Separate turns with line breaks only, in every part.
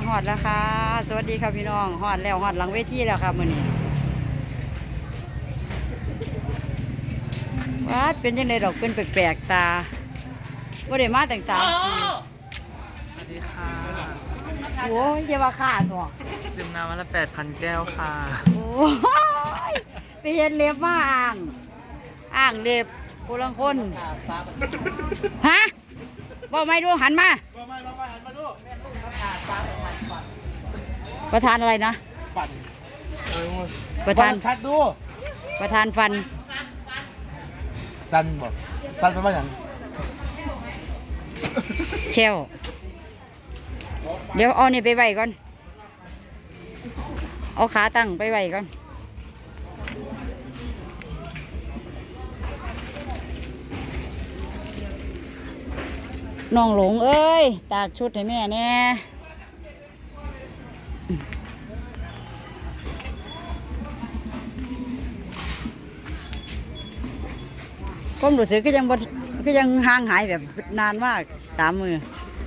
ฮอดแล้วค่ะสวัสดีครับพี่น้องฮอดแล้วฮอดหลังเวทีแล้วครับมื้อนี้วัดเป็นยังไงดอกเป็นแปลกๆตาบ่ได้มาตั้ง3 ปี
สวัสดีค่ะ
โอ้ยอย่าว่าค่าตัว
ดื่มน้ำวันละ 8,000 แก้วค่ะ
โอ้ยไปเฮ็ดเล็บมาอ่างเล็บผู้ลังคนฮะบ่ไม่ดูหันมาประธานอะไรนะประธาน
ชัดดู
ประธานฟัน
สั้นบ่สั้นเป็นว่าอย่าง
เชลเดี๋ยวเอานี่ไปไว้ก่อนเอาขาตั้งไปไว้ก่อนน้องหลงเอ้ยตากชุดให้แม่แน่ผมรู้สึกก็ยังห่างหายแบบนานมาก3 มือ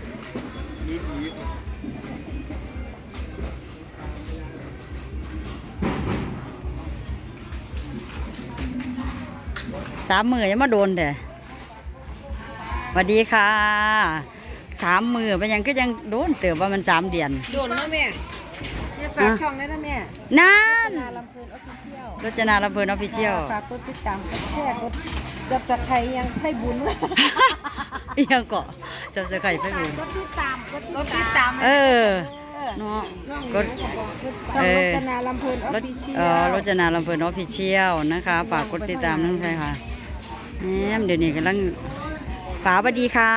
3 มือยังมาโดนแต่สวัสดีค่ะ3 มือเป็นยังก็ยังโดนเติบว่ามัน3 เดือน
โดนนะแม่ฝากช่องได้นะแม่
นั่น
นาลำเพลินออฟฟิเชียล
รจนาลำเพลินออฟฟิเชียล
ฝากกดติดตามกดแชร์กดซับสไครต์ยังให้บุญ
ยังเกาะเจ้าเสือไข่ไปบุญ
กดติดตามกดติดตาม
เออเนาะกด
ช่องรจนาลำเพลินออฟฟิเชียล
รจนาลำเพลินออฟฟิเชียลนะคะฝากกดติดตามนั่นใช่ค่ะแหมเดี๋ยวนี้กำลังป๋าสวัสดีค่ะ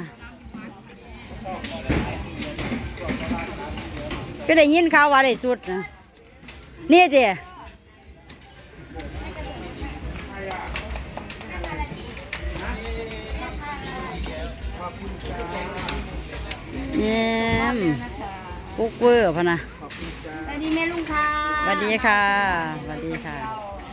ก็ได้ยินข่าวว่าได้สุดนะนี่เดียปุ๊กเวอร์พะนะ
สวัสดีแม่ลุงค่ะ
สวัสดีค่ะสวัสดีค่ะ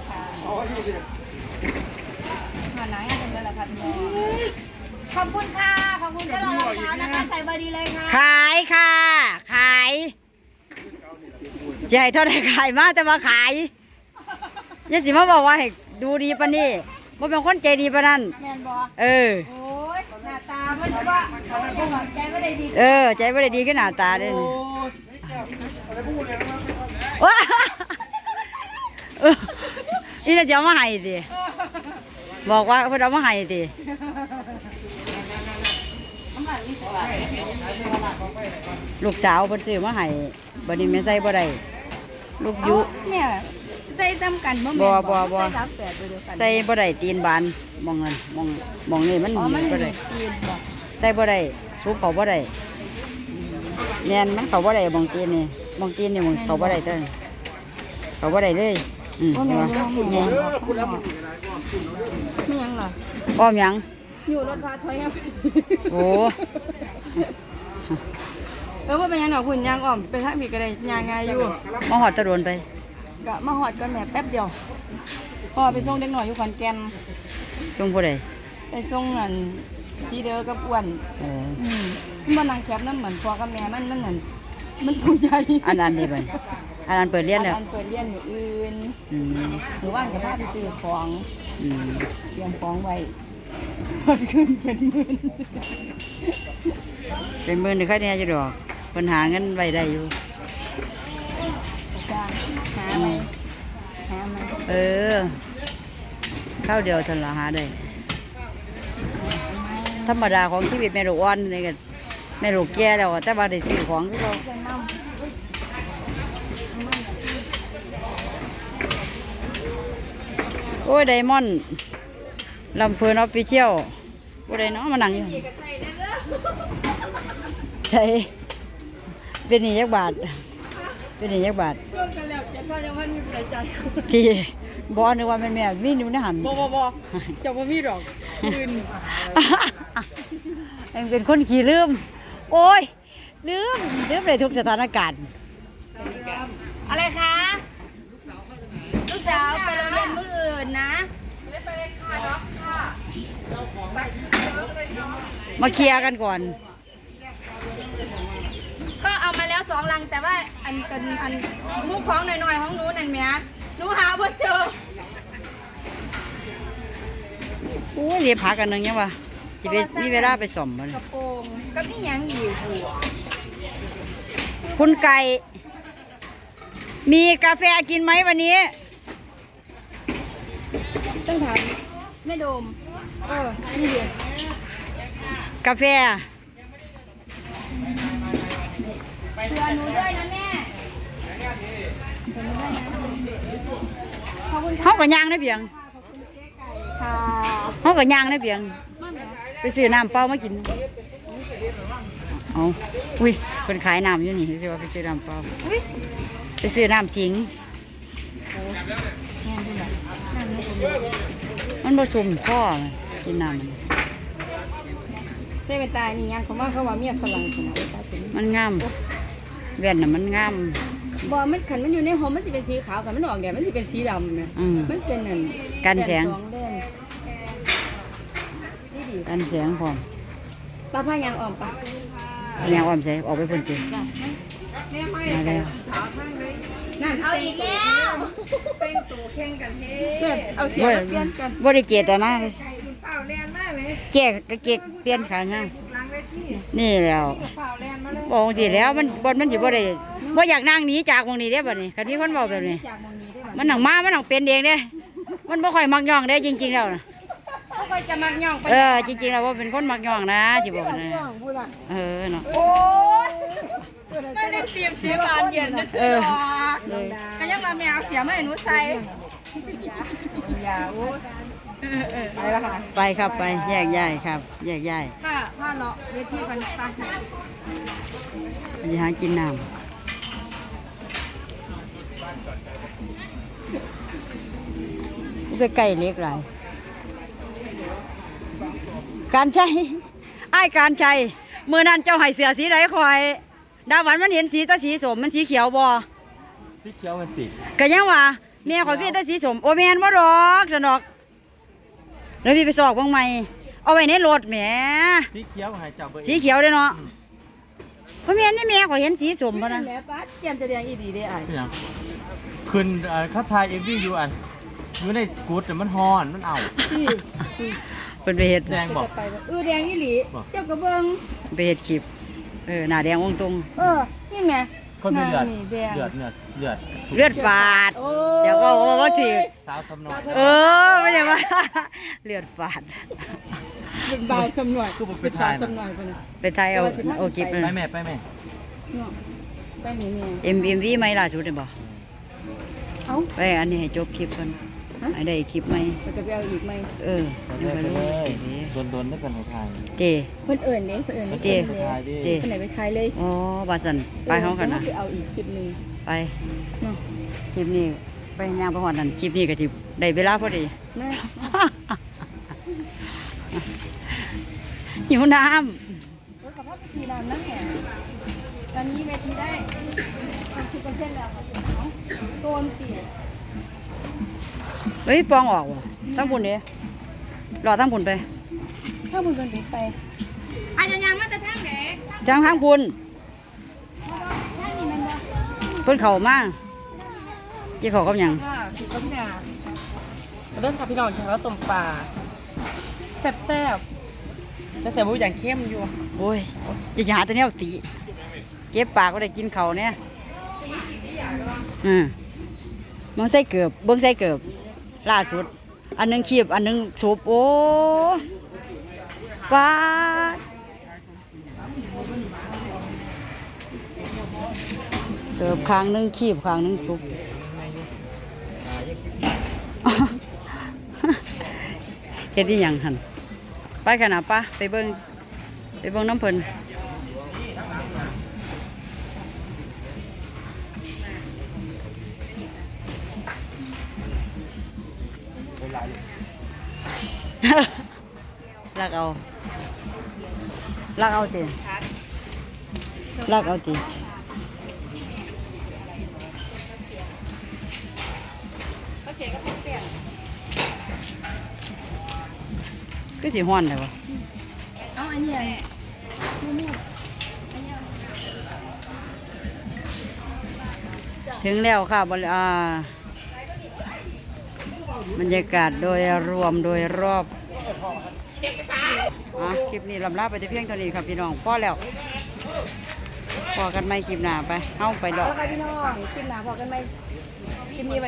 มาไหนกันแล้วล่ะค่ะขอบคุณค่ะขอบคุณที่เรารองเท้านะคะใส่บอดีเลยค่ะ
ขายค่ะขายจะให้เท่าไหร่ขายมาแต่มาขายอยังสิมาบอกว่าให้ดูดีปะนี่ว่าเป็นคนใจดีปะนั่น
แมนบอ
เออ
โอ้ยหน้าตามันว่าใจไม่ได้ดี
เออใจไม่ได้ดีขึ้นหน้าตาเด้นว้านี่เราจะเอามาให้สิบอกว่าเพื่อนเอามาให้สิลูกสาวเพิ่นซื้อมาให้บัดนี้แม่ใส่บ่ได้ลูกยุ
แม่ใจจำกันบ่
บ่
แม่
บ่
ใจ38เดียวกัน
ใส่บ่ได้ตีนบานมองนั่นมองนี่มัน
อ๋อมัน
บ่ได้
จีนบ่
ใส่บ่ได้สูบเขาบ่ได้แม่นมันเขาบ่ได้มองตีนนี่มองตีนนี่มันเขาบ่ได้เต้นเขาบ่ได้เลยเห็นบ่นี่
ไม่ยังเหรอ
อ้อมหยัง
อยู่รถพาถอยครับ
โอ้
ว่าเป็นยังหนอคุณยางอ่อมไปทางมีก็ได้ยางไงอยู่
มาหอดตะโดนไป
ก็มาหอดกันแม่แป๊บเดียวพอไปส่งเด็กหน่อยอยู่ขอนแก่น
ช่วงผู้ใด
ไปส่งอันซีเดอร์กับอ้วน
โอ้
มันนางแคบน้ำเหมือนพ่อกับแม่มันนั่นมันผู้ใหญ่
อันนี้ไปอันนั้นเปิดเรียนแล้ว
อันเปิดเรียนอยู่อื่น
อืม
หรือว่าจะพาไปซื้อของ
อืม
เตรียมของไว้เพิ่นขึ้นเป็นหมื่น
เป็นมื้อนี่ใครเนี่ยอยู่ดอกเพิ่นหาเงินไว้ได้อยู่
จ้างหาไหมหาไหม
เออข้าวเดียวเท่านั้นละหาได้ธรรมดาของชีวิตแม่ลูกอ่อนนี่ก็แม่ลูกแก่แล้วอะแต่ว่าได้ซื้อของคือเรา
เพื่อนน้ำ
โอ้ยไดมอนด์ลำเพลินออฟฟิเชียลโอ้ยไดเนาะมานั่งอยู่ใช่เป็นนี่ยักบาทเป็นนี่ยักบาท
เพื่อนกันแล้วจะพ่อจะว่ามีประจัย
ที่บอนึกว่าแม่มีนิ้วในหัน
บ่จะบ่มีดอกยืน
เองเป็นคนขี้ลืม โอ้ยลืมเลยทุกสถานการณ์
อะไรคะลูกสาวไปโรงเรียนมื้ออื่นนะ
มาเคลียร์กันก่อน
ก็เอามาแล้ว 2 ลังแต่ว่าอันมุกของหน่อยๆของหนูนั่นแหมหนูหาบ่เจอ
โอ้ยเรียบหากันนึงยังวะจะไปมีเวลาไปส่อมมัน
กระโปรงก็มีหยังอยู่หัว
คุณไก่ มีกาแฟกินไหมวันนี้
ต้องถามแม่โดมนี่เดียว
กาแฟ
เผื่อหนูด้วยนะแม่ขอบคุณ
เฮาก็ย่างได้เพียง
ค่ะ
เฮาก็ย่างได้เพียง ไปซื้อน้ำเปล่ามากิน เอาอุ้ยคนขายน้ำอยู่นี่สิว่าไปซื้อน้ำเปล่าไปซื้อน้ำสิง มันผสมข้อกินน้ำมัน
เซเว่นตายนี่ยังเขาว่าเมียฝรั่งคนนั้น
มันงามแว่นน่ะมันงาม
บ่มันขันมันอยู่ในหอมมันสิเป็นสีขาวขันมันออกแดดมันสิเป็นสีดำนะ
อืม
มันเป็นนั่น
กันแสง
สองเล่นนี่ดี
กันแสงพร้อม
ป้าพายางออกปะ
ยางอ้อมใส่ออกไปเพิ่นติมาแล้ว
นั่นเอาอีกแล้วเป็นตัวแข่งกันเฮ้เอาเสียงเปลี่ยนกัน
บ่ได้เจตนา
เฝ้าแลนมาเลย
แก้ก็เก็กเปลี่ยนขาย่าง
หลังเวที
นี่แล้ว
เฝ้าแลนมาเลย
บอกสิแล้วมันบ่มันสิบ่ได้บ่อยากนั่งหนีจากวงนี้เด้บัดนี้คันมีคนเว้าแบบนี้
จากมองนี้ได้ไหม
มันหนังมามันหนังเป็นเองเด้มันบ่ค่อยมักย่องเด้จริงๆแล้วนะ
เขาก็จะมักย่องไป
จริงๆแล้วว่าเป็นคนมักย่องนะสิบอกนะ
ย่องพูดละ
เนาะ
โอ้ยไม่ได้เตรียมเสียบานเย็นนะเสือก็ยังมาแมวเสียมาให้หนูใส่อย่าโอ้ไปแล้วค่ะ
ไปครับไปแยกย้ายครับ แยกย้าย
ค่ะผ้าเลาะเวทีกันไป
ไปหากินน้ำไปไก่เล็กหลายการใช้ไอ้ายการใช้เมื่อนั้นเจ้าให้เสือสีไหนคอยดาวันมันเห็นสีตาสีสมมันสีเขียวบ่
สีเขียวมันติด
ก็ยังว่าแม่ข่อยคือตาสีสมโอแม่นบ่ดอกสนอกแล้วพี่ไปสอกบ้างไหมเอาไว้ในรถแหม
สีเขียวหายจับเบอร์
สีเขียวเด้อเนาะเพราะแม่นนี่แม่ข่อยเห็นสีสม
ไม่
พะ
ได้
นะ
แม่ป้าเกียมจะเรียงอีดีได้ไอ้
เป็นหยังขึ้นเขาทายเอฟวีอยู่อยู่ในกูดแต่มันฮอนมันเอา
ที่
เป็นไปเฮ็ด
แดงบอก
จะไปแดงอีหลีเจ้ากระเบิง
ไปเฮ็ดคลิปหน้าแดงองตรง
นี่แม่
คนมีเลือด
แดง
เลือด
เลือดฝาด
โอ้
เดี๋ยวก็ว่าสิ
สาวสำนอย
ไม่ได้ว่า เลือดฝาด
เป็นบ่าวสำหน่วย
คือผม
เป็
เป็น น
สา
ทายว
สำหน่วยไปนะ
ไปไทยเอาคลิป
ไปแม่ไปแม่
ไปนี่แม่
MV ไหมล่าสุดนี่บ่
เอ้า
ไปอันนี้ให้จบคลิปก่อนให้ได้คลิปไหม
จะไปเอาอีกไหม
ยังไม่รู้สิ
โดนได้เป็นไทย
เต้
เพิ่นเอิญนี่เพิ่นเอิญนี่
เต้
ไทยดิ
เต้
เพิ่นไหนไปทายเลย
อ๋อบาสันไปเฮากันนะ
ไปเอาอีกคลิปนึง
ไป
เนาะ
คลิปนี้ไปย่างไปหอดนั่นคลิปนี้ก็สิได้เวลาพอดี
นะ
หิวน้
รถกับพ่อไปสีน้ำนั่นแหละตอนนี้เวทีได้30%แล้วโดนเตี๋ย
ำเฮ้ยปองออกว่ะตั้งบุญเด้รอตั้งบุญไป
ถ้ามึงโดนปิดไปอาจจะยังมาแต่ทางไหน
ทางบุญ
ทางนี้มันบ่
เพิ่นเข้ามายี่เขากับหยัง
ค่ะผิดต้มยาเริ่มค่ะพี่น้องกินข้าวต้มปลาแซ่บๆแต่แซ่บบุอย่างเข้มอยู่
โอ้ยจะหาแต่แนวตีเก็บปากก็ได้กินเขาวเนี่ยมันใส่เกือบเบิ้งใส่เกือบล่าสุด อันหนึงคีบอันหนึงสูบโอ้ป้าดเกือบข้างหนึงคีบข้างหนึงสูบ เฮ็ดอีหยังหั่นไปกันนะป้าไปเบิ่งน้ำเพิ่นลักเอาติลักเอาติก็สิฮ้อนเลยวะ
เอาอันนี้
ถึงแล้วค่ะบรรยากาศโดยรวมโดยรอบคลิปนี้ลำลาไปแต่เพียงเท่านี้ครับพี่น้องพอแล้วพอกันไหมคลิปหน้าไปเข้าไปดอก
แล้วค่ะพี่น้องคลิปหน้าพอกันไหมคลิปนี้